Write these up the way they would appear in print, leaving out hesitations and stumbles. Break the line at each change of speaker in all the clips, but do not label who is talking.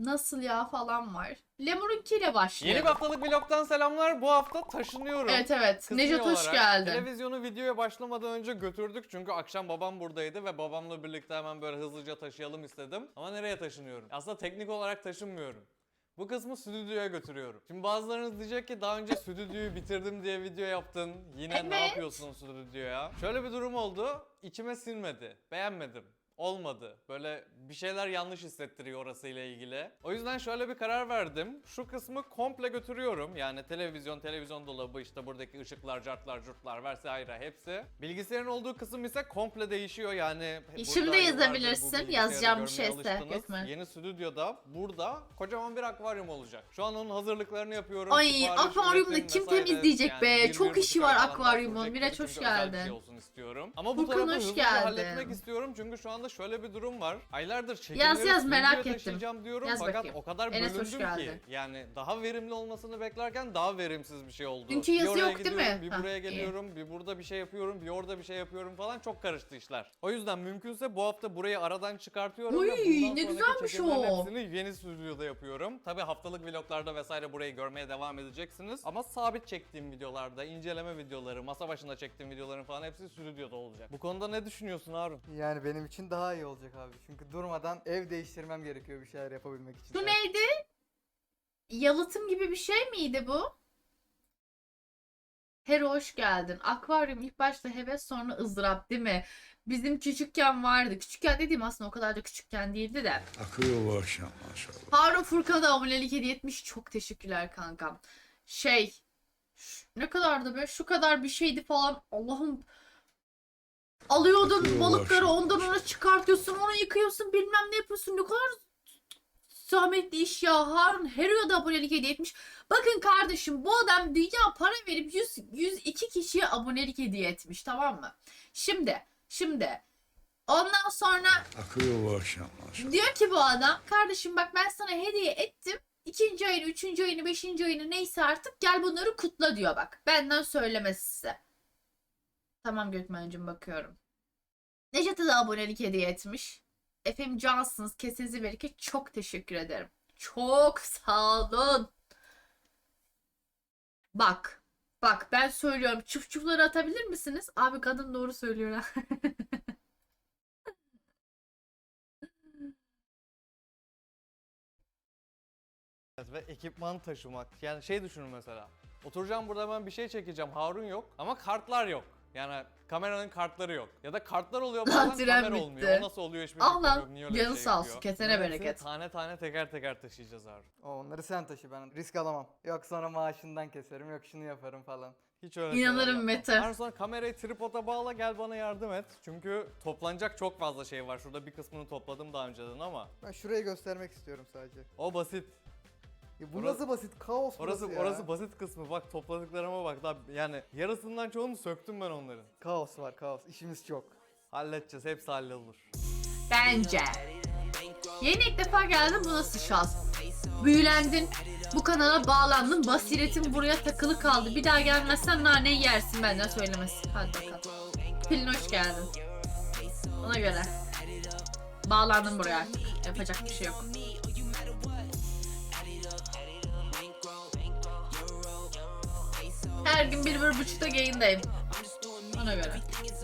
nasıl ya falan var. Lemur'unkiyle başlayalım.
Yeni bir haftalık vlogtan selamlar. Bu hafta taşınıyorum.
Evet.
Kısmi
Nejat hoş
olarak
geldin.
Televizyonu videoya başlamadan önce götürdük çünkü akşam babam buradaydı ve babamla birlikte hemen böyle hızlıca taşıyalım istedim. Ama nereye taşınıyorum? Aslında teknik olarak taşınmıyorum. Bu kısmı stüdyoya götürüyorum. Şimdi bazılarınız diyecek ki daha önce stüdyoyu bitirdim diye video yaptın. Yine ne
Evet.
yapıyorsun stüdyoya? Şöyle bir durum oldu. İçime sinmedi. Beğenmedim. Olmadı. Böyle bir şeyler yanlış hissettiriyor orasıyla ilgili. O yüzden şöyle bir karar verdim. Şu kısmı komple götürüyorum. Yani televizyon dolabı, işte buradaki ışıklar, cartlar, curtlar vesaire hepsi. Bilgisayarın olduğu kısım ise komple değişiyor. Yani
Şimdi
burada yıllardır bu
yazabilirsin.
bilgisayarı
Yazacağım bir
görmeye
şeyse,
alıştınız.
Gökmen.
Yeni stüdyoda burada kocaman bir akvaryum olacak. Şu an onun hazırlıklarını yapıyorum.
Ay,
Sipariş,
akvaryumu
üretim
kim
vesaire.
temizleyecek be?
bir
Çok
buçuk
işi
ay
var
falan daha
akvaryumun.
sürecek
Miraç
gibi
hoş
çünkü özel bir
geldin.
şey olsun istiyorum. Ama bu
Furkan
tarafı
hoş
hızlıca
geldin.
halletmek istiyorum çünkü şu anda şöyle bir durum var. Aylardır çekimleri
Yaz,
stüdyoya
merak ettim.
taşıyacağım diyorum
Yaz
fakat
bakayım.
o kadar
Enes hoş
bölündüm ki
geldin.
yani daha verimli olmasını beklerken daha verimsiz bir şey oldu.
Dünkü
Bir
yazı
oraya
yok değil
gidiyorum,
mi?
bir
Hah,
buraya
iyi.
geliyorum, bir burada bir şey yapıyorum, bir orada bir şey yapıyorum falan, çok karıştı işler. O yüzden mümkünse bu hafta burayı aradan çıkartıyorum
Uy,
ve bundan
ne
sonraki
güzelmiş
çekimlerin
o.
hepsini yeni stüdyoda yapıyorum. Tabii haftalık vloglarda vesaire burayı görmeye devam edeceksiniz. Ama sabit çektiğim videolarda, inceleme videoları, masa başında çektiğim videoların falan hepsi stüdyoda olacak. Bu konuda ne düşünüyorsun Harun?
Yani benim için daha iyi olacak abi. Çünkü durmadan ev değiştirmem gerekiyor bir şeyler yapabilmek için.
Bu neydi? Yalıtım gibi bir şey miydi bu? Hero hoş geldin. Akvaryum ilk başta heves sonra ızdırap değil mi? Bizim küçükken vardı. Küçükken dediğim aslında o kadar da küçükken değildi de.
Akıyor bu akşam maşallah.
Harun Furkan'a da abonelik hediye etmiş. Çok teşekkürler kankam. Ne kadardı be? Şu kadar bir şeydi falan. Allah'ım. Alıyordun
Akıyor
balıkları,
başım.
ondan ona çıkartıyorsun, onu yıkıyorsun, bilmem ne yapıyorsun. Ne kadar zahmetli iş ya. Harun Hero'ya da abonelik hediye etmiş. Bakın kardeşim, bu adam dünya para verip 102 kişiye abonelik hediye etmiş, tamam mı? Şimdi ondan sonra
Akıyor bu akşam maşallah.
diyor ki bu adam, kardeşim bak ben sana hediye ettim. 2. ayını, 3. ayını, 5. ayını neyse artık gel bunları kutla diyor bak. Benden söylemesi size. Tamam Gökmen'cim, bakıyorum. Necat'a da abonelik hediye etmiş. Efendim cansınız. Kesinizi bereket. Çok teşekkür ederim. Çok sağ olun. Bak. Bak ben söylüyorum. Çufçufları atabilir misiniz? Abi kadın doğru söylüyor ha.
Ve ekipman taşımak. Yani şey düşünün mesela. Oturacağım burada, ben bir şey çekeceğim. Harun yok ama kartlar yok. Yani kameranın kartları yok. Ya da kartlar oluyor bazen,
Tren
kamera
bitti.
olmuyor. O nasıl oluyor hiçbir
Ah
fikrim
lan,
yok. Niye öyle bir
canı
şey
sağ olsun,
yapıyor?
kesene
Bunların hepsini
bereket.
tane tane teker teker taşıyacağız Harun.
Onları sen taşı, ben risk alamam. Yok sonra maaşından keserim, yok şunu yaparım falan.
Hiç öyle şeyler
İnanırım
yapmam.
Mete.
Harun sonra kamerayı tripoda bağla, gel bana yardım et. Çünkü toplanacak çok fazla şey var. Şurada bir kısmını topladım daha önceden ama
Ben şurayı göstermek istiyorum sadece.
o basit.
Ya bu
Orası-
nasıl basit? Kaos burası ya.
Orası basit kısmı. Bak topladıklarıma bak. Daha yani yarısından çoğunu söktüm ben onların.
Kaos var, kaos. İşimiz çok.
Halledeceğiz. Hepsi hallolur.
Bence. Yeni ilk defa geldin, bu nasıl şans? Büyülendin. Bu kanala bağlandın. Basiretin buraya takılı kaldı. Bir daha gelmezsen naneyi yersin, benden söylemesi. Hadi bakalım. Pelin hoş geldin. Ona göre. Bağlandım buraya artık. Yapacak bir şey yok. Her gün 1-1.30'da yayındayım. Ona göre.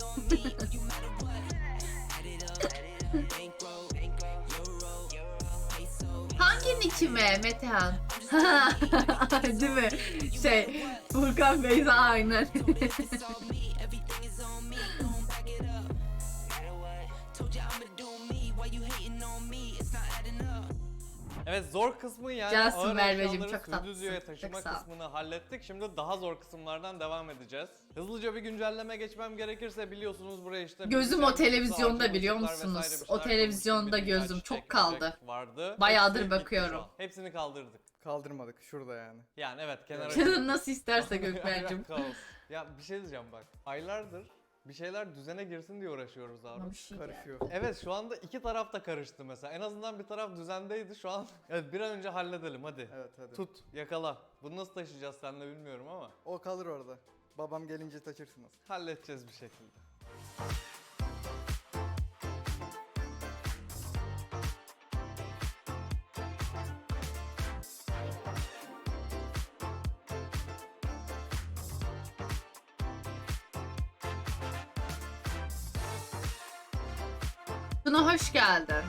Hangi nickime Metehan? Değil mi? Furkan Beyza aynen.
Evet, zor kısmı yani
Cansın
ağır
Merveciğim,
eşyaları
çok tatlısın.
stüdyoya
Çok
taşıma
sağ ol.
kısmını hallettik. Şimdi daha zor kısımlardan devam edeceğiz. Hızlıca bir güncelleme geçmem gerekirse, biliyorsunuz buraya işte...
Gözüm
bilgisayar
o televizyonda,
masası,
biliyor
ışıklar
musunuz?
vesaire bir
O
şeyler
televizyonda
koymuştuk.
gözüm
Birkaç
çok
çekmecek
kaldı.
Vardı.
Bayağıdır
Hepsi bitti
bakıyorum.
şu an. Hepsini kaldırdık.
Kaldırmadık şurada yani.
Yani evet, kenara...
Canın nasıl isterse Gökmen'cim.
Kaos. Ya bir şey diyeceğim bak. Aylardır bir şeyler düzene girsin diye uğraşıyoruz abi.
Bir şey geldi.
Karışıyor.
Evet, şu anda iki taraf da karıştı mesela. En azından bir taraf düzendeydi şu an. Evet, bir an önce halledelim hadi.
Evet hadi.
Tut, yakala. Bunu nasıl taşıyacağız seninle bilmiyorum ama
O kalır orada. Babam gelince taşırsınız.
halledeceğiz bir şekilde.
Buna hoş geldin.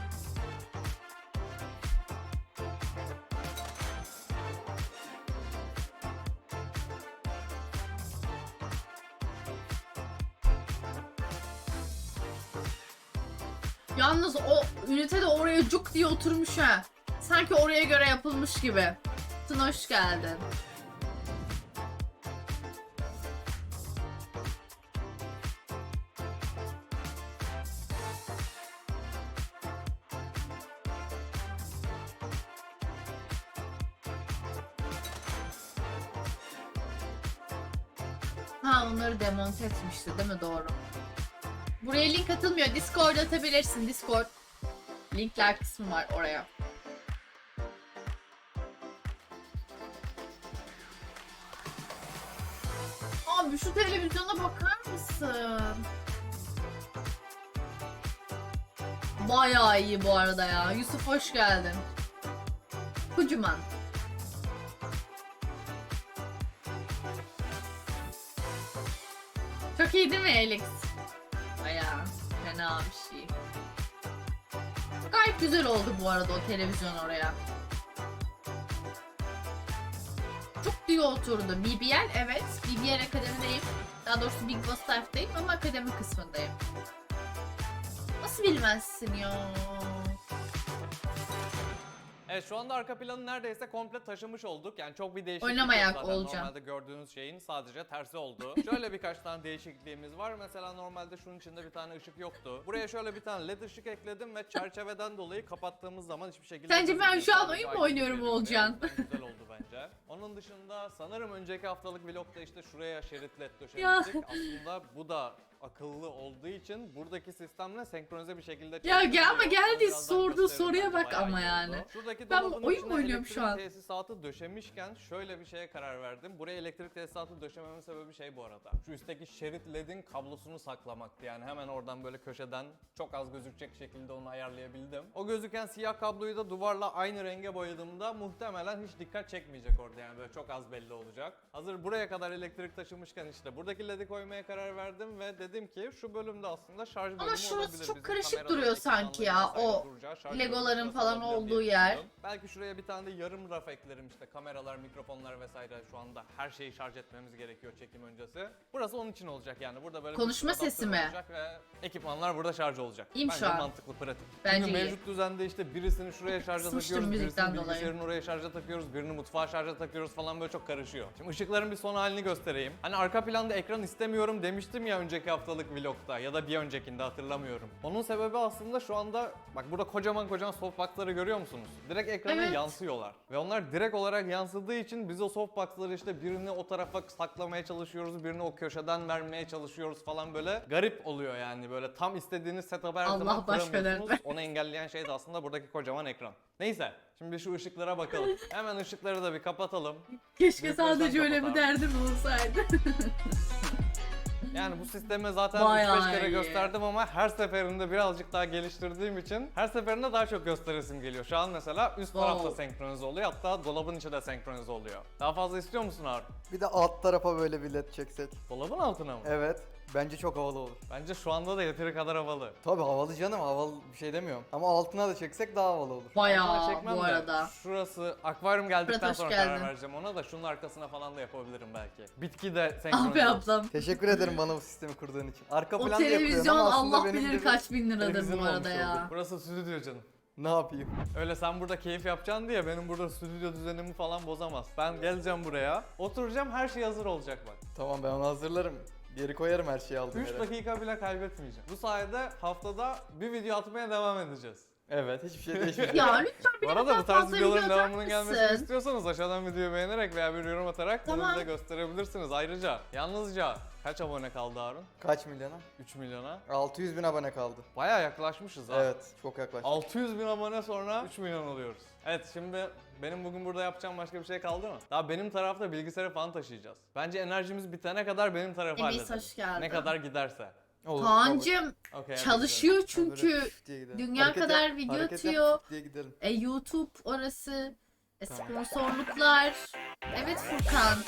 Yalnız o ünite de oraya cuk diye oturmuş ha. Sanki oraya göre yapılmış gibi. Tuna hoş geldin. Ha, onları demonte etmişti değil mi? Doğru. Buraya link atılmıyor. Discord atabilirsin. Discord. Linkler kısmı var oraya. Abi şu televizyona bakar mısın? Bayağı iyi bu arada ya. Yusuf hoş geldin. Kocaman. Çok iyi değil mi Alex? Bayağı fena bir şey. Gayet güzel oldu bu arada o televizyon oraya. Çok iyi oturdu. BBL evet. BBL Akademi'deyim. Daha doğrusu Big Boss Life'dayım ama akademi kısmındayım. Nasıl bilmezsin ya?
Evet, şu anda arka planı neredeyse komple taşımış olduk. Yani çok bir değişiklik
Oynamayak
yok zaten.
olacağım.
Normalde gördüğünüz şeyin sadece tersi oldu. Şöyle birkaç tane değişikliğimiz var. Mesela normalde şunun içinde bir tane ışık yoktu. Buraya şöyle bir tane led ışık ekledim ve çerçeveden dolayı kapattığımız zaman hiçbir şekilde...
Sence ben şu an
Sadece
oyun mu
aydınlık
oynuyorum
veriyor.
Olcan?
Evet, güzel oldu bence. Onun dışında sanırım önceki haftalık vlogda işte şuraya şerit led
Ya.
döşemiştik. Aslında bu da akıllı olduğu için buradaki sistemle senkronize bir şekilde
Ya
çalışabiliyor.
ama geldi,
Birazdan
sorduğu
gösteririm
soruya
bence,
bak
bayağı
ama
iyi
yani.
oldu. Şuradaki
Ben
dolabın
oyun
içine
mu oynuyorum şu
elektrik
an?
tesisatı döşemişken şöyle bir şeye karar verdim. Buraya elektrik tesisatı döşememin sebebi şey bu arada. Şu üstteki şerit ledin kablosunu saklamaktı. Yani hemen oradan böyle köşeden çok az gözükecek şekilde onu ayarlayabildim. O gözüken siyah kabloyu da duvarla aynı renge boyadığımda muhtemelen hiç dikkat çekmeyecek orada, yani böyle çok az belli olacak. Hazır buraya kadar elektrik taşımışken işte buradaki ledi koymaya karar verdim ve dedim ki şu bölümde aslında şarj bölümü olabilir.
şurası çok
Bizim
karışık
kameraların,
duruyor sanki ya,
ekranların
o
vesaire duracağı şarj
Legoların
bölümü
falan
olabilir
olduğu
diye
yer.
düşündüm. Belki şuraya bir tane de yarım raf eklerim, işte kameralar, mikrofonlar vesaire, şu anda her şeyi şarj etmemiz gerekiyor çekim öncesi. Burası onun için olacak yani, burada böyle
Konuşma
bir sürü
sesi
adaptör
mi?
olacak ve ekipmanlar burada şarj olacak.
İyiyim şu
Bence
an.
mantıklı, pratik.
Bence
Çünkü
iyi.
mevcut düzende işte birisini şuraya şarja
Kısmıştım
takıyoruz, birisini
müzikten dolayı.
bilgisayarın oraya şarja takıyoruz, birini mutfağa şarja takıyoruz falan, böyle çok karışıyor. Şimdi ışıkların bir son halini göstereyim. Hani arka planda ekran istemiyorum demiştim ya önceki haftalık vlogda ya da bir öncekinde, hatırlamıyorum. Onun sebebi aslında şu anda bak burada kocaman kocaman softbox'ları görüyor musunuz? Direkt ekrana
Evet.
yansıyorlar. Ve onlar direkt olarak yansıdığı için biz o softbox'ları işte birini o tarafa saklamaya çalışıyoruz, birini o köşeden vermeye çalışıyoruz falan, böyle garip oluyor yani, böyle tam istediğiniz setup'ı her
Allah
zaman
baş
kuramıyorsunuz.
veren.
Onu engelleyen şey de aslında buradaki kocaman ekran. Neyse, şimdi şu ışıklara bakalım. Hemen ışıkları da bir kapatalım.
Keşke
Büyük
sadece
gözden
öyle bir
kapat
derdim olsaydı.
Yani bu sistemi zaten
Bayağı
3-5 kere
iyi.
gösterdim ama her seferinde birazcık daha geliştirdiğim için her seferinde daha çok gösteresim geliyor. Şu an mesela üst tarafta
Wow.
senkronize oluyor, hatta dolabın içi de senkronize oluyor. Daha fazla istiyor musun Harun?
Bir de alt tarafa böyle bir led çeksek.
Dolabın altına mı?
Evet. Bence çok havalı olur.
Bence şu anda da yeteri kadar havalı.
Tabii havalı canım, havalı bir şey demiyorum. Ama altına da çeksek daha havalı olur.
Altına
Bayağı
çekmem
bu
de
arada.
Şurası akvaryum geldikten
Fırat, hoş
sonra
geldin.
karar vereceğim ona da, şunun arkasına falan da yapabilirim belki. Bitki de
Ah
senkronize
be
olsun.
ablam.
Teşekkür ederim bana bu sistemi kurduğun için. Arka
O
planda yapıyorsun
televizyon
ama aslında
Allah
benim de
bilir
bir
kaç bin liradır
televizyonum
bu arada
olmuş
ya.
oldu.
Burası stüdyo canım.
Ne yapayım?
Öyle sen burada keyif yapacaksın diye benim burada stüdyo düzenimi falan bozamaz. Ben geleceğim buraya, oturacağım, her şey hazır olacak bak.
Tamam, ben onu hazırlarım. Geri koyarım her şeyi aldığım
3
yere.
dakika bile kaybetmeyeceğim. Bu sayede haftada bir video atmaya devam edeceğiz.
Evet, hiçbir şey değişmeyecek.
Ya lütfen
Bu
bir
arada
daha
bu tarz
fazla
videoların
video atar
devamının gelmesini
mısın?
istiyorsanız aşağıdan videoyu beğenerek veya bir yorum atarak
Tamam.
bunu bize gösterebilirsiniz. Ayrıca yalnızca kaç abone kaldı Harun?
Kaç milyona?
3 milyona.
600 bin abone kaldı.
Bayağı yaklaşmışız ha.
Evet, çok yaklaştık.
600 bin abone sonra 3 milyon oluyoruz. Evet, şimdi benim bugün burada yapacağım başka bir şey kaldı mı? Daha benim tarafta bilgisayarı falan taşıyacağız. Bence enerjimiz bitene kadar benim tarafı
Enis,
halledelim.
hoş geldin.
Ne kadar giderse.
Olur,
Kaan'cığım
Okey, hadi
çalışıyor
kabul.
çünkü.
Böyle püf diye gidelim.
dünya
Hareket
kadar
yap,
video
hareket yap,
atıyor.
püf diye gidelim.
YouTube orası.
Tamam.
Sponsorluklar. Evet Furkan.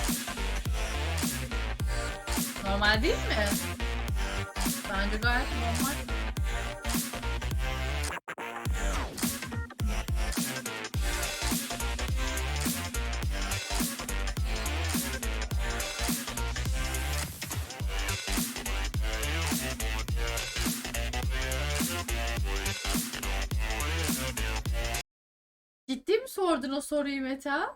Normal değil mi? Bence gayet normal. Ciddi mi sordun o soruyu Meta?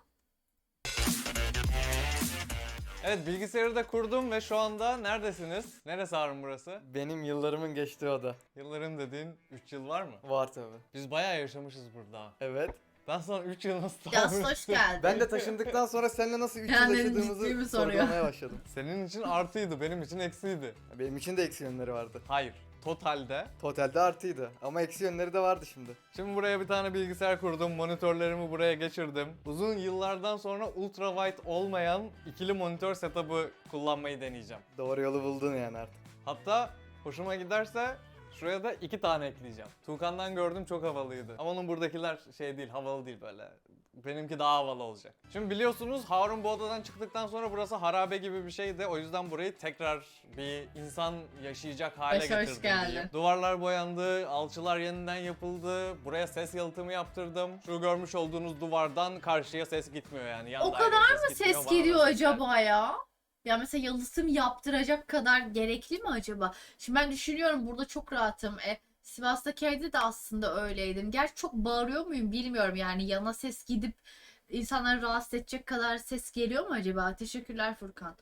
Evet, bilgisayarı da kurdum ve şu anda neredesiniz? Neresi Harun burası?
Benim yıllarımın geçtiği oda.
Yılların dediğin 3 yıl var mı?
Var tabi.
Biz bayağı yaşamışız burada.
Evet.
Ben sana 3 yıl nasıl
Yas hoş geldin.
Ben de taşındıktan sonra seninle nasıl 3 yıl
Kendini ciddi mi
yaşadığımızı
soruyor?
sorgulamaya başladım.
Senin için artıydı, benim için eksiydi.
Benim için de eksi yönleri vardı.
Hayır, totalde.
Totalde artıydı ama eksi yönleri de vardı şimdi.
Şimdi buraya bir tane bilgisayar kurdum, monitörlerimi buraya geçirdim. Uzun yıllardan sonra ultra wide olmayan ikili monitör setup'ı kullanmayı deneyeceğim.
Doğru yolu buldun yani artık.
Hatta hoşuma giderse şuraya da 2 tane ekleyeceğim. Tuğkan'dan gördüm, çok havalıydı. Ama onun buradakiler şey değil, havalı değil böyle. Benimki daha havalı olacak. Şimdi biliyorsunuz Harun bu odadan çıktıktan sonra burası harabe gibi bir şeydi. O yüzden burayı tekrar bir insan yaşayacak hale
Hoş
getirdim
geldin.
diyeyim. Duvarlar boyandı, alçılar yeniden yapıldı. Buraya ses yalıtımı yaptırdım. Şu görmüş olduğunuz duvardan karşıya ses gitmiyor yani. Yan
O
daireye
kadar mı
gitmiyor,
ses
bana da
geliyor
ses
acaba ya? Ya mesela yalıtım yaptıracak kadar gerekli mi acaba? Şimdi ben düşünüyorum burada çok rahatım. Sivas'taki evde de aslında öyleydim. Gerçi çok bağırıyor muyum bilmiyorum yani yana ses gidip insanları rahatsız edecek kadar ses geliyor mu acaba? Teşekkürler Furkan.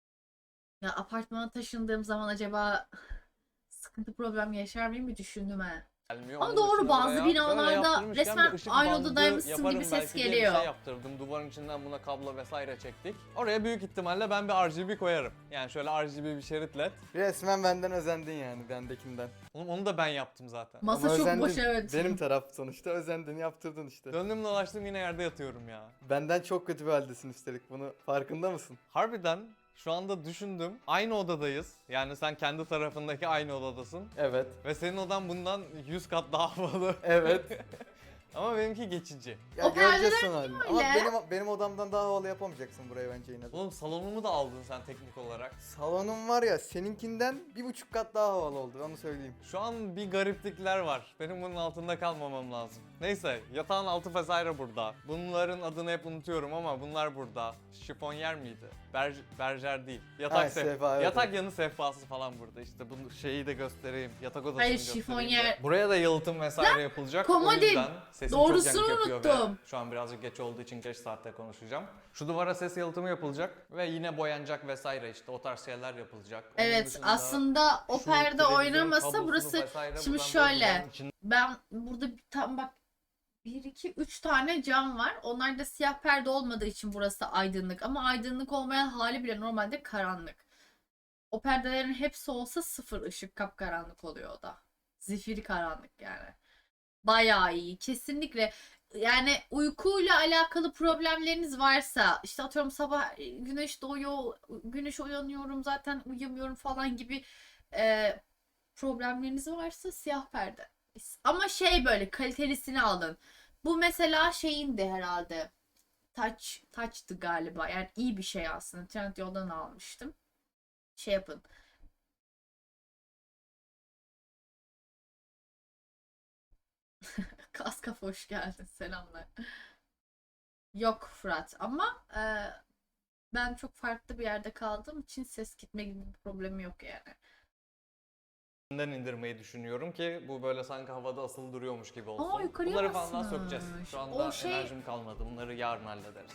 Ya apartmana taşındığım zaman acaba sıkıntı problem yaşar mıyım bir düşündüm ha.
gelmiyor.
Ama
Onun
doğru,
dışında
bazı
buraya
binalarda
böyle yaptırmışken
resmen
bir ışık
aynı
bandı
odadaymışsın
yaparım
gibi ses
belki diye bir
geliyor.
şey yaptırdım. Duvarın içinden buna kablo vesaire çektik. Oraya büyük ihtimalle ben bir RGB koyarım. Yani şöyle RGB bir şerit led.
Resmen benden özendin yani bendekinden.
Onu da ben yaptım zaten.
Masa
Ama
çok
özendin.
boş, evet.
Benim taraf sonuçta özendin, yaptırdın işte.
Döndüm dolaştım yine yerde yatıyorum ya.
Benden çok kötü bir haldesin üstelik, bunu farkında mısın?
Harbiden şu anda düşündüm. Aynı odadayız. Yani sen kendi tarafındaki aynı odadasın.
Evet.
Ve senin odan bundan 100 kat daha havalı.
Evet.
Ama benimki geçici.
Ya
O
göreceğiz
perdeler
son halini. Ama
öyle?
benim odamdan daha havalı yapamayacaksın burayı bence yine de.
Oğlum salonumu da aldın sen teknik olarak.
Salonum var ya seninkinden 1,5 kat daha havalı oldu, onu söyleyeyim.
Şu an bir gariplikler var. Benim bunun altında kalmamam lazım. Neyse, yatağın altı vesaire burada. Bunların adını hep unutuyorum ama bunlar burada. Şifonyer miydi? Berjer değil. Yatak
Ha, sehpa, evet,
yatak
evet.
yanı sehpası falan burada. İşte bunu şeyi de göstereyim. Yatak odasını
Hayır,
göstereyim.
şifonyer-
de. Buraya da yalıtım vesaire yapılacak.
komodin.
O yüzden sesim
Doğrusunu
çok yankı yapıyor ve
unuttum.
şu an birazcık geç olduğu için geç saatte konuşacağım. Şu duvara ses yalıtımı yapılacak ve yine boyanacak vesaire işte o tarz şeyler yapılacak. Onun
Evet,
dışında
aslında o
şu
perde
televizyon
oynamasa
kablosunu
burası
vesaire
şimdi
buradan böyle
şöyle.
duvarın içinden
Ben burada tam bak 1 2 3 tane cam var. Onlar da siyah perde olmadığı için burası aydınlık ama aydınlık olmayan hali bile normalde karanlık. O perdelerin hepsi olsa sıfır ışık, kapkaranlık oluyor o da. Zifiri karanlık yani. Bayağı iyi. Kesinlikle. Yani uykuyla alakalı problemleriniz varsa işte atıyorum sabah güneş doğuyor, güneş uyanıyorum zaten uyuyamıyorum falan gibi problemleriniz varsa siyah perde. Ama şey böyle kalitelisini alın. Bu mesela şeyindi herhalde. Touch'tı galiba. Yani iyi bir şey aslında. Trendyol'dan almıştım. Şey yapın. Kaskaf hoş geldin. Selamlar. Yok Fırat ama ben çok farklı bir yerde kaldığım için ses gitme gibi bir problemi yok yani.
indirmeyi düşünüyorum ki bu böyle sanki havada asılı duruyormuş gibi olsun.
yukarıya
Bunları falan daha
basmış.
sökeceğiz. Şu anda
O şey-
enerjim kalmadı. Bunları yarın hallederiz.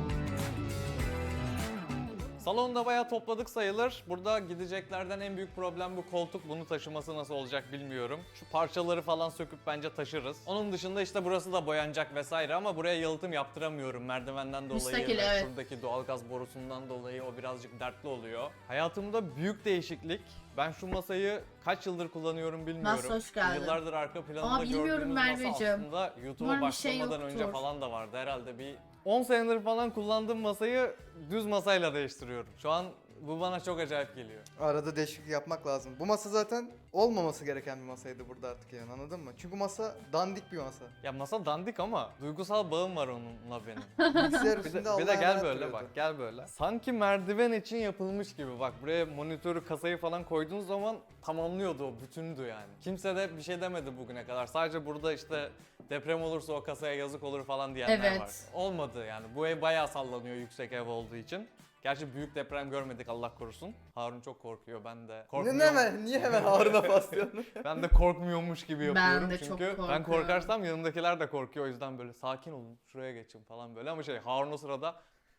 Salonda bayağı topladık sayılır. Burada gideceklerden en büyük problem bu koltuk. Bunu taşıması nasıl olacak bilmiyorum. Şu parçaları falan söküp bence taşırız. Onun dışında işte burası da boyanacak vesaire ama buraya yalıtım yaptıramıyorum merdivenden dolayı
Müstakil,
ve
evet.
şuradaki doğalgaz borusundan dolayı o birazcık dertli oluyor. Hayatımda büyük değişiklik. Ben şu masayı kaç yıldır kullanıyorum bilmiyorum.
Nasıl hoş geldin.
Yıllardır arka planında
Aa, bilmiyorum
gördüğünüz masa
Merveciğim.
aslında YouTube'a
Umarım bir şey
başlamadan önce
yoktur.
falan da vardı. Herhalde bir 10 senedir falan kullandığım masayı düz masayla değiştiriyorum. Şu an bu bana çok acayip geliyor.
Arada değişiklik yapmak lazım. Bu masa zaten olmaması gereken bir masaydı burada artık yani, anladın mı? Çünkü masa dandik bir masa.
Ya masa dandik ama duygusal bağım var onunla benim.
Bilgisayar
Bir
üstünde
de,
Allah'a
bir de gel
emanet
böyle
duruyordu.
bak, gel böyle. Sanki merdiven için yapılmış gibi. Bak buraya monitörü, kasayı falan koyduğunuz zaman tamamlıyordu o, bütündü yani. Kimse de bir şey demedi bugüne kadar. Sadece burada işte deprem olursa o kasaya yazık olur falan diyenler
Evet.
var. Olmadı yani. Bu ev bayağı sallanıyor yüksek ev olduğu için. Gerçi büyük deprem görmedik Allah korusun. Harun çok korkuyor, ben de
Ne
korkmuyorum.
hemen? Niye hemen Harun'a paslıyorsun?
Ben de korkmuyormuş gibi yapıyorum
Ben de çok
çünkü ben
korkuyorum.
korkarsam yanımdakiler de korkuyor, o yüzden böyle sakin olun, şuraya geçin falan böyle, ama Harun o sırada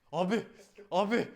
abi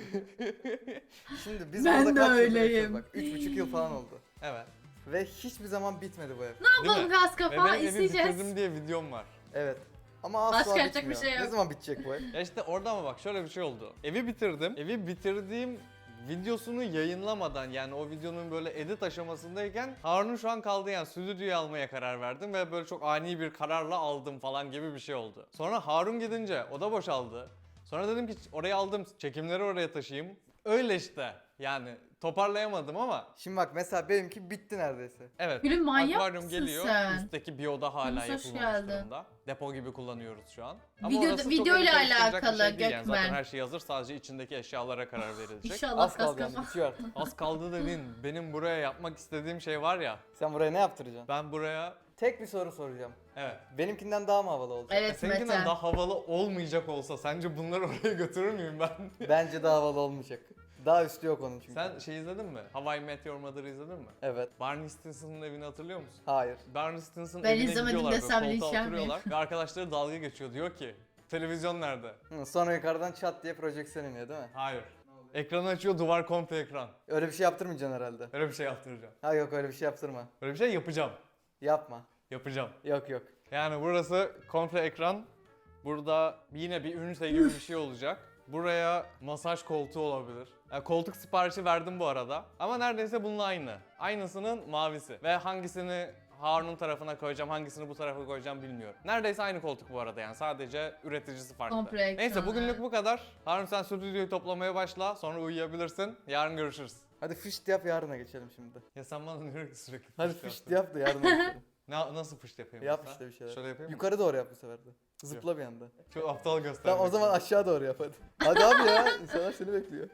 Şimdi biz
Ben
burada
de
kaç yıldır
öyleyim.
yaşıyoruz bak. 3,5 yıl falan oldu.
evet.
Ve hiçbir zaman bitmedi bu ev.
Ne yapalım
mi?
gaz
Ve
kapağı
benim evi
izleyeceğiz.
bitirdim diye videom var.
Evet. Ama asla
Başka yapacak
bitmiyor.
bir şey yok.
Ne zaman bitecek bu ev?
Ya işte orada ama bak şöyle bir şey oldu. Evi bitirdim. Evi bitirdiğim videosunu yayınlamadan, yani o videonun böyle edit aşamasındayken Harun'un şu an kaldığı yani stüdyoyu almaya karar verdim ve böyle çok ani bir kararla aldım falan gibi bir şey oldu. Sonra Harun gidince oda boşaldı. Sonra dedim ki oraya aldım, çekimleri oraya taşıyayım. Öyle işte. Yani toparlayamadım ama
Şimdi bak mesela benimki bitti neredeyse.
evet.
Gülüm, manyak
Akvaryum
mısın
geliyor.
sen?
Üstteki bir oda hala
Yunus, hoş
yapılmamış
geldin.
durumda. Depo gibi kullanıyoruz şu an.
Video-
orası çok
videoyla
öyle karıştıracak bir
alakalı
şey değil yani. Zaten
Gökmen.
her şey hazır. Sadece içindeki eşyalara karar verilecek.
İnşallah
Az
gaz
kaldı yani
kapağı.
bitiyor artık.
Az kaldı dedin. Benim buraya yapmak istediğim şey var ya.
Sen buraya ne yaptıracaksın?
Ben buraya
Tek bir soru soracağım.
evet.
Benimkinden daha mı havalı olacak?
Evet
Seninkinden
Mete.
daha havalı olmayacak olsa sence bunları oraya götürür müyüm ben?
Bence daha havalı olmayacak. Daha üstü yok onun çünkü.
Sen şey izledin mi? How I Met Your Mother'ı izledin mi?
Evet.
Barney Stinson'ın evini hatırlıyor musun?
Hayır.
Barney Stinson'ın
Ben
evine
izlemedim
gidiyorlar,
desem
böyle koltuğa
linçlenmeyeyim.
oturuyorlar ve arkadaşları dalga geçiyor. Diyor ki televizyon nerede?
Hı, sonra yukarıdan çat diye projeksiyon iniyor değil mi?
Hayır. Ekranı açıyor, duvar komple ekran.
Öyle bir şey yaptırmayacaksın herhalde.
Öyle bir şey yaptıracağım.
Ha yok öyle bir şey yaptırma.
Öyle bir şey yapacağım.
Yapma.
Yapacağım.
Yok yok.
Yani burası komple ekran. Burada yine bir ünite gibi bir şey olacak. Buraya masaj koltuğu olabilir. Yani koltuk siparişi verdim bu arada. Ama neredeyse bununla aynı. Aynısının mavisi. Ve hangisini Harun'un tarafına koyacağım, hangisini bu tarafa koyacağım bilmiyorum. Neredeyse aynı koltuk bu arada yani. Sadece üreticisi farklı.
Komple ekran,
Neyse bugünlük
evet.
bu kadar. Harun sen stüdyoyu toplamaya başla. Sonra uyuyabilirsin. Yarın görüşürüz.
Hadi fışt yap yarına geçelim şimdi.
Ya sen bana diyor ki sürekli
Hadi
fışt
fışt
yap.
yap da yarına geçelim.
Nasıl fışt yapayım?
Yap
mesela?
işte bir şeyler.
Şöyle yapayım mı?
Yukarı doğru yap bu sefer de. Zıpla bir anda.
Çok aptal göstermek.
Tamam o zaman aşağı doğru yap hadi. Hadi abi ya insanlar seni bekliyor.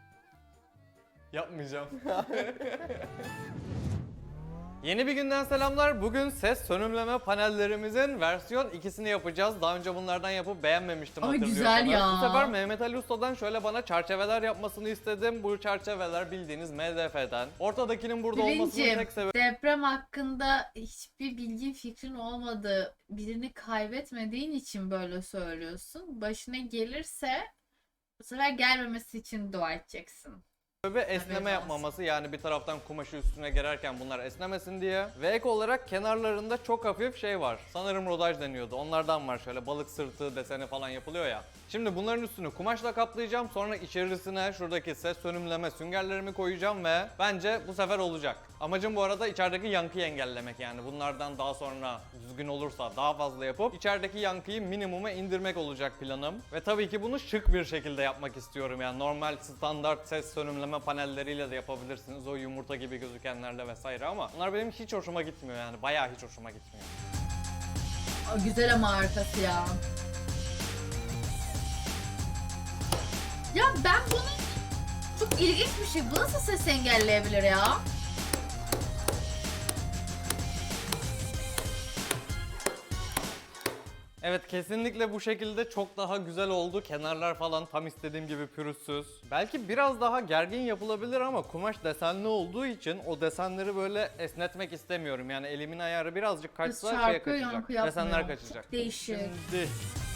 Yapmayacağım. Yeni bir günden selamlar. Bugün ses sönümleme panellerimizin versiyon 2'sini yapacağız. Daha önce bunlardan yapıp beğenmemiştim,
Ay,
hatırlıyorsanız.
güzel ya.
Bu sefer Mehmet Ali Usta'dan şöyle bana çerçeveler yapmasını istedim. Bu çerçeveler bildiğiniz MDF'den. Ortadakinin burada olmasının
Bilincim,
tek sebebi
deprem hakkında hiçbir bilgin fikrin olmadığı, birini kaybetmediğin için böyle söylüyorsun. Başına gelirse bu sefer gelmemesi için dua edeceksin.
esneme
olsun.
yapmaması, yani bir taraftan kumaşı üstüne gererken bunlar esnemesin diye. Ve ek olarak kenarlarında çok hafif şey var. Sanırım rodaj deniyordu. Onlardan var, şöyle balık sırtı deseni falan yapılıyor ya. Şimdi bunların üstünü kumaşla kaplayacağım. Sonra içerisine şuradaki ses sönümleme süngerlerimi koyacağım ve bence bu sefer olacak. Amacım bu arada içerideki yankıyı engellemek, yani bunlardan daha sonra düzgün olursa daha fazla yapıp içerideki yankıyı minimuma indirmek olacak planım. Ve tabii ki bunu şık bir şekilde yapmak istiyorum, yani normal standart ses sönümleme panelleriyle de yapabilirsiniz, o yumurta gibi gözükenlerle vesaire, ama bunlar benim hiç hoşuma gitmiyor, yani bayağı hiç hoşuma gitmiyor.
Aa, güzel ama arkası ya. Ya ben bunu çok ilginç bir şey. Bu nasıl ses engelleyebilir ya?
Evet, kesinlikle bu şekilde çok daha güzel oldu. Kenarlar falan tam istediğim gibi pürüzsüz. Belki biraz daha gergin yapılabilir ama kumaş desenli olduğu için o desenleri böyle esnetmek istemiyorum. Yani elimin ayarı birazcık kaçsa şeye
Çarpıyor,
kaçacak.
yankı yapmıyor.
Desenler kaçacak.
Çok değişik.
Şimdi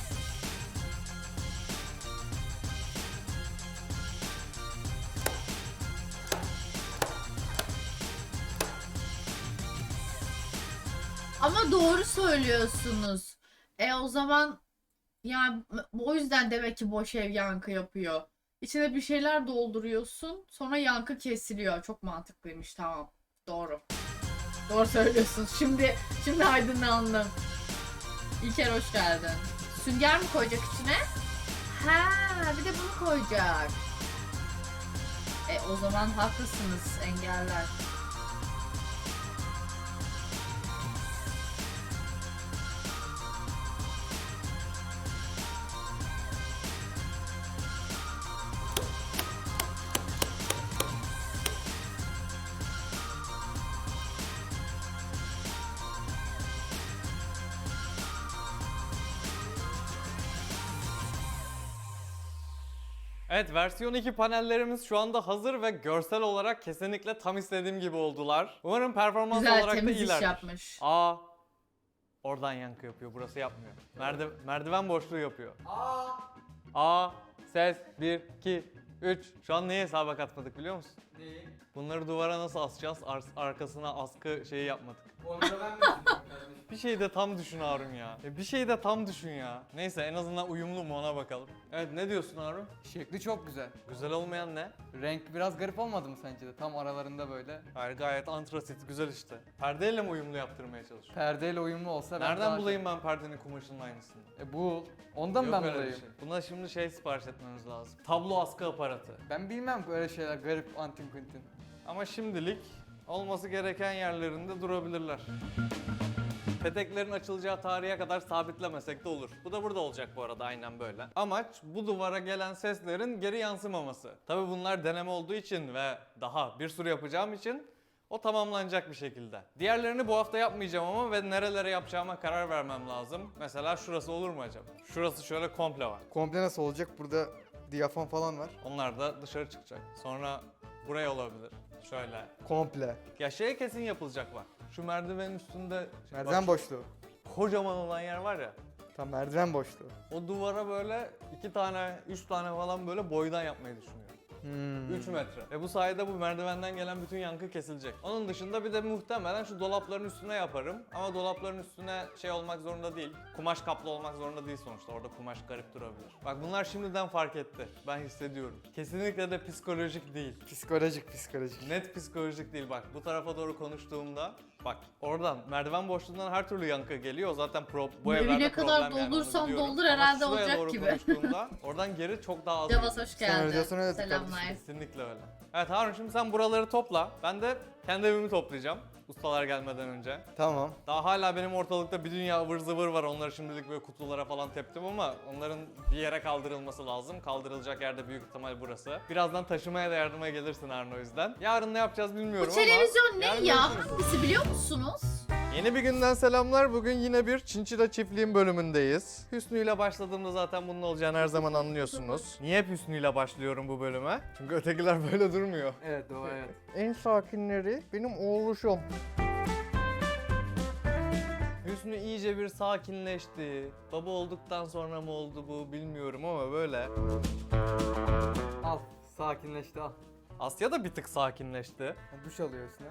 Ama doğru söylüyorsunuz. O zaman yani o yüzden demek ki boş ev yankı yapıyor. İçine bir şeyler dolduruyorsun, sonra yankı kesiliyor. Çok mantıklıymış, tamam. Doğru. Doğru söylüyorsunuz. Şimdi aydınlandım. İlker hoş geldin. Sünger mi koyacak içine? Ha, bir de bunu koyacak. O zaman haklısınız, engeller.
Evet, versiyon 2 panellerimiz şu anda hazır ve görsel olarak kesinlikle tam istediğim gibi oldular. Umarım performans
Güzel
olarak da
temiz iş
iyilerdir.
yapmış.
Aa, oradan yankı yapıyor, burası yapmıyor. Merdiven boşluğu yapıyor. Aa, ses 1, 2, 3. Şu an neyi hesaba katmadık biliyor musun?
Neyi?
Bunları duvara nasıl asacağız? Arkasına askı şeyi yapmadık.
Onu da ben mi düşünüyorum kardeşim?
Bir şey de tam düşün Harun ya. Bir şey de tam düşün ya. Neyse, en azından uyumlu mu ona bakalım. Evet, ne diyorsun Harun?
Şekli çok güzel.
Güzel olmayan ne?
Renk biraz garip olmadı mı sence de? Tam aralarında böyle.
Hayır, gayet antrasit, güzel işte. Perdeyle mi uyumlu yaptırmaya çalışıyorsun?
Perdeyle uyumlu olsa ben
Nereden
daha
bulayım ben perdenin kumaşının aynısını?
Bu ondan
Yok
ben
öyle bir
bulayım.
şey. Buna şimdi şey sipariş etmemiz lazım. Tablo askı aparatı.
Ben bilmem böyle şeyler garip antin kuntin.
Ama şimdilik olması gereken yerlerinde durabilirler. Peteklerin açılacağı tarihe kadar sabitlemesek de olur. Bu da burada olacak bu arada, aynen böyle. Amaç bu duvara gelen seslerin geri yansımaması. Tabii bunlar deneme olduğu için ve daha bir sürü yapacağım için o tamamlanacak bir şekilde. Diğerlerini bu hafta yapmayacağım ama ve nerelere yapacağıma karar vermem lazım. Mesela şurası olur mu acaba? Şurası şöyle komple var.
Komple nasıl olacak? Burada diyafon falan var.
Onlar da dışarı çıkacak. Sonra buraya olabilir. Şöyle.
Komple.
Ya şey kesin yapılacak bak. Şu merdivenin üstünde
Merdiven
bak,
boşluğu.
kocaman olan yer var ya.
Tam merdiven boşluğu.
O duvara böyle 2 tane, 3 tane falan böyle boydan yapmayı düşünüyorum. 3 metre. Ve bu sayede bu merdivenden gelen bütün yankı kesilecek. Onun dışında bir de muhtemelen şu dolapların üstüne yaparım. Ama dolapların üstüne şey olmak zorunda değil. Kumaş kaplı olmak zorunda değil sonuçta. Orada kumaş garip durabilir. Bak bunlar şimdiden fark etti. Ben hissediyorum. Kesinlikle de psikolojik değil.
Psikolojik.
Net psikolojik değil bak. Bu tarafa doğru konuştuğumda bak oradan merdiven boşluğundan her türlü yankı geliyor. Zaten bu
Evi
evlerde
ne kadar
problem yani, onu
doldursan
biliyorum.
doldur
Ama
herhalde
şuraya
olacak
doğru
gibi.
konuştuğumda oradan geri çok daha az
Cavaz
geliyor.
hoş
Sen
geldin.
öyle diyorsun,
Selamlar.
Kesinlikle öyle. Evet Harun, şimdi sen buraları topla. Ben de kendi evimi toplayacağım. Ustalar gelmeden önce.
Tamam.
Daha hala benim ortalıkta bir dünya ıvır zıvır var. Onları şimdilik böyle kutulara falan teptim ama onların bir yere kaldırılması lazım. Kaldırılacak yerde büyük ihtimal burası. Birazdan taşımaya da yardıma gelirsin Harun o yüzden. Yarın ne yapacağız bilmiyorum
Bu televizyon
ama
ne
yarın
ya?
görüşürüz.
Hangisi biliyor musunuz?
Yeni bir günden selamlar. Bugün yine bir Çinçila Çiftliğin bölümündeyiz. Hüsnü ile başladığımda zaten bunun olacağını her zaman anlıyorsunuz. Niye hep Hüsnü ile başlıyorum bu bölüme? Çünkü ötekiler böyle durmuyor.
Evet doğru evet.
En sakinleri benim oğluşum. Hüsnü iyice bir sakinleşti. Baba olduktan sonra mı oldu bu bilmiyorum ama böyle.
Al sakinleşti al.
Asya da bir tık sakinleşti.
Duş alıyor üstüne.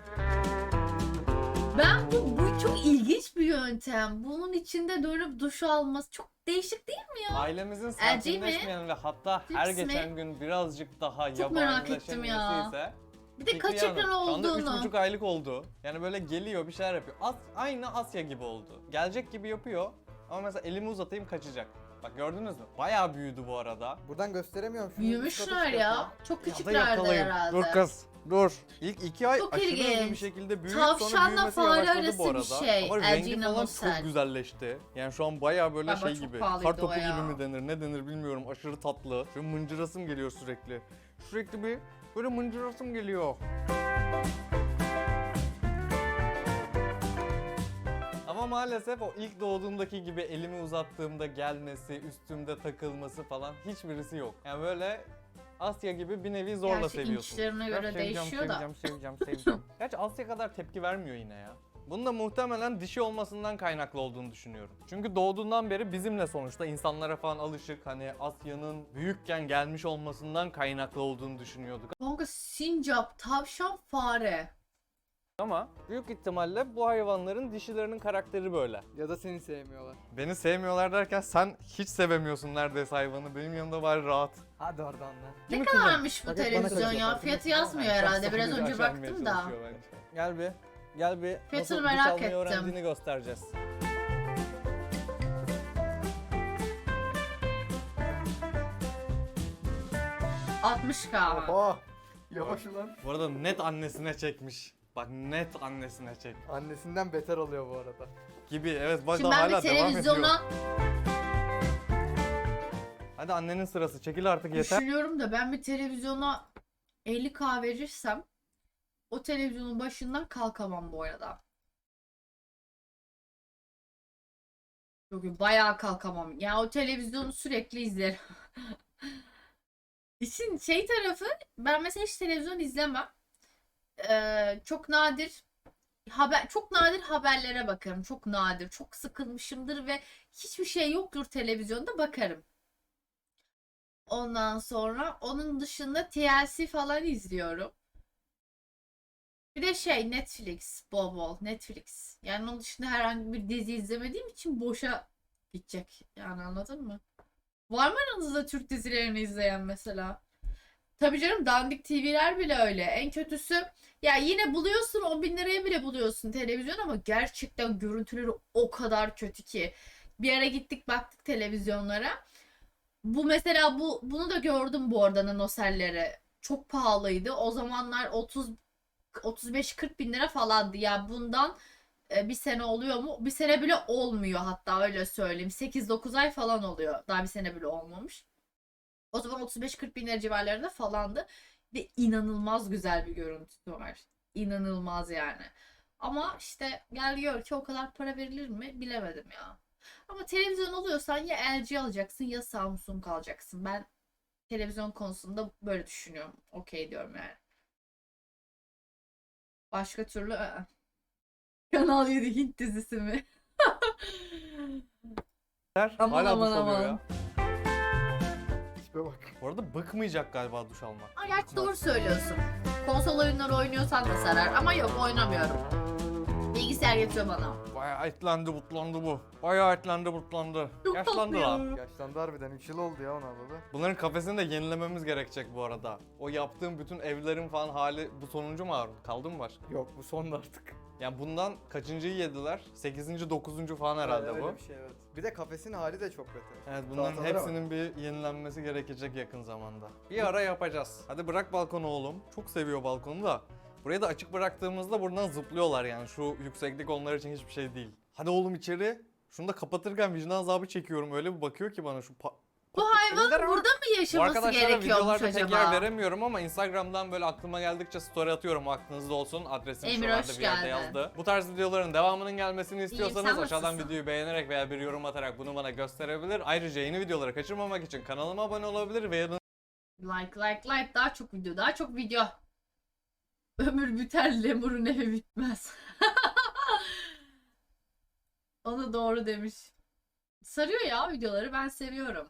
Bu çok ilginç bir yöntem. Bunun içinde dönüp duş alması çok değişik değil mi ya?
Ailemizin
Erci mi?
sakinleşmeyen ve hatta her
Cips mi?
geçen gün birazcık daha
Çok merak
yabanileşen
ettim ya.
birisi ise
Bir de kaç
Fikriye
ekran
Hanım. Şu anda
olduğunu.
3,5 aylık oldu. Yani böyle geliyor bir şeyler yapıyor. Aynı Asya gibi oldu. Gelecek gibi yapıyor ama mesela elimi uzatayım kaçacak. Bak gördünüz mü? Bayağı büyüdü bu arada.
Buradan gösteremiyorum. Şunu
Büyümüşler ya. Çok
Ya da
küçüklerde
yakalayayım.
herhalde.
Dur kız. Dur. İlk 2 ay
Çok
aşırı
ilginç.
hızlı bir şekilde büyüyüp sonra
Tavşanla
büyümesi
fare
yavaşladı
arası
bu
bir
arada.
şey.
Ama rengi
Ercina
falan
Mosel.
çok güzelleşti. Yani şu an bayağı böyle
Galiba
şey
çok
gibi.
pahalıydı
Kar topu
o ya.
gibi mi denir ne denir bilmiyorum. Aşırı tatlı. Şöyle mıncırasım geliyor sürekli. Sürekli bir böyle mıncırasım geliyor. Ama maalesef o ilk doğduğumdaki gibi elimi uzattığımda gelmesi, üstümde takılması falan hiçbirisi yok. Yani böyle Asya gibi bir nevi zorla
Gerçi
seviyorsun.
inçlerine göre değişiyor da.
Seveceğim. Gerçi Asya kadar tepki vermiyor yine ya. Bunun da muhtemelen dişi olmasından kaynaklı olduğunu düşünüyorum. Çünkü doğduğundan beri bizimle sonuçta insanlara falan alışık, hani Asya'nın büyükken gelmiş olmasından kaynaklı olduğunu düşünüyorduk.
Kanka sincap, tavşan, fare.
Ama büyük ihtimalle bu hayvanların dişilerinin karakteri böyle.
Ya da seni sevmiyorlar.
Beni sevmiyorlar derken sen hiç sevemiyorsun neredeyse hayvanı. Benim yanımda bari rahat.
Hadi oradan lan.
Ne kadarmış bu
Bak hep bana
televizyon
kaçıyor,
ya?
farkında
Fiyatı
mısın?
yazmıyor herhalde. Biraz önce
Aşermeye
baktım da.
çalışıyor bence. Gel bir. Gel bir.
Fiyatını
Nasıl duş
merak
almayı
ettim.
öğrendiğini göstereceğiz.
$60K.
Oha. Yavaş ulan.
Bu arada net annesine çekmiş. Bak net annesine çek.
Annesinden beter oluyor bu arada.
Gibi evet bak
Şimdi
daha
ben bir
hala devam ediyor.
televizyona
Hadi annenin sırası çekil artık yeter.
düşünüyorum da ben bir televizyona 50K verirsem o televizyonun başından kalkamam bu arada. Yok bayağı kalkamam. Yani o televizyonu sürekli izlerim. İşin şey tarafı, ben mesela hiç televizyon izlemem. Çok nadir çok nadir haberlere bakarım. Çok nadir. Çok sıkılmışımdır ve hiçbir şey yoktur televizyonda, bakarım. Ondan sonra onun dışında TLC falan izliyorum. Bir de şey, Netflix, bol bol Netflix. Yani onun dışında herhangi bir dizi izlemediğim için boşa gidecek. Yani anladın mı? Var mı aranızda Türk dizilerini izleyen mesela? Tabii canım, dandik TV'ler bile öyle. En kötüsü ya, yine buluyorsun 10 bin liraya bile buluyorsun televizyon, ama gerçekten görüntüleri o kadar kötü ki. Bir ara gittik baktık televizyonlara. Bu mesela bunu da gördüm bu arada, nanoselleri. Çok pahalıydı. O zamanlar 35-40 bin lira falandı. Ya bundan bir sene oluyor mu? Bir sene bile olmuyor, hatta öyle söyleyeyim. 8-9 ay falan oluyor. Daha bir sene bile olmamış. O zaman 35-40 bin lira civarlarında falandı. Ve inanılmaz güzel bir görüntüsü var. İnanılmaz yani. Ama işte gel gör ki o kadar para verilir mi bilemedim ya. Ama televizyon alıyorsan ya LG alacaksın ya Samsung alacaksın. Ben televizyon konusunda böyle düşünüyorum. Okey diyorum yani. Başka türlü Kanal 7 Hint dizisi mi? Aman
Hala duş
aman
alıyor
aman.
ya.
Tipe bak.
Bu arada bıkmayacak galiba duş almak.
Ama gerçi doğru söylüyorsun. Konsol oyunları oynuyorsan da sarar. Ama yok, oynamıyorum. Bilgisayar getiriyor bana.
Bayağı etlendi butlandı bu. Bayağı etlendi butlandı.
Çok
Yaşlandı
tatlı
lan.
ya.
Yaşlandı harbiden, 3 yıl oldu ya ona baba.
Bunların kafesini de yenilememiz gerekecek bu arada. O yaptığım bütün evlerin falan hali bu sonuncu mu Harun? Kaldı mı başka?
Yok bu son artık.
Yani bundan kaçıncıyı yediler? 8. 9. falan herhalde
Öyle
bu.
bir şey, evet. Bir de kafesin hali de çok kötü.
Evet, bunların
Tahtalara bak.
hepsinin bir yenilenmesi gerekecek yakın zamanda. Bir ara yapacağız. Hadi bırak balkonu oğlum. Çok seviyor balkonu da. Burayı da açık bıraktığımızda buradan zıplıyorlar yani. Şu yükseklik onlar için hiçbir şey değil. Hadi oğlum içeri. Şunu da kapatırken vicdan azabı çekiyorum. Öyle bir bakıyor ki bana şu
Bu hayvanın
Ender
burada mı
Bu
yaşaması
arkadaşlara
gerekiyormuş
videolarda tek yer
acaba?
veremiyorum ama Instagram'dan böyle aklıma geldikçe story atıyorum, aklınızda olsun. Adresim
Emir,
şuralarda
hoş
bir yerde
geldin.
yazdı. Bu tarz videoların devamının gelmesini istiyorsanız
sen
aşağıdan
nasılsın?
videoyu beğenerek veya bir yorum atarak bunu bana gösterebilir. Ayrıca yeni videoları kaçırmamak için kanalıma abone olabilir ve
Like, daha çok video, daha çok video. Ömür biter, lemurun evi bitmez. Onu doğru demiş. Sarıyor ya videoları, ben seviyorum.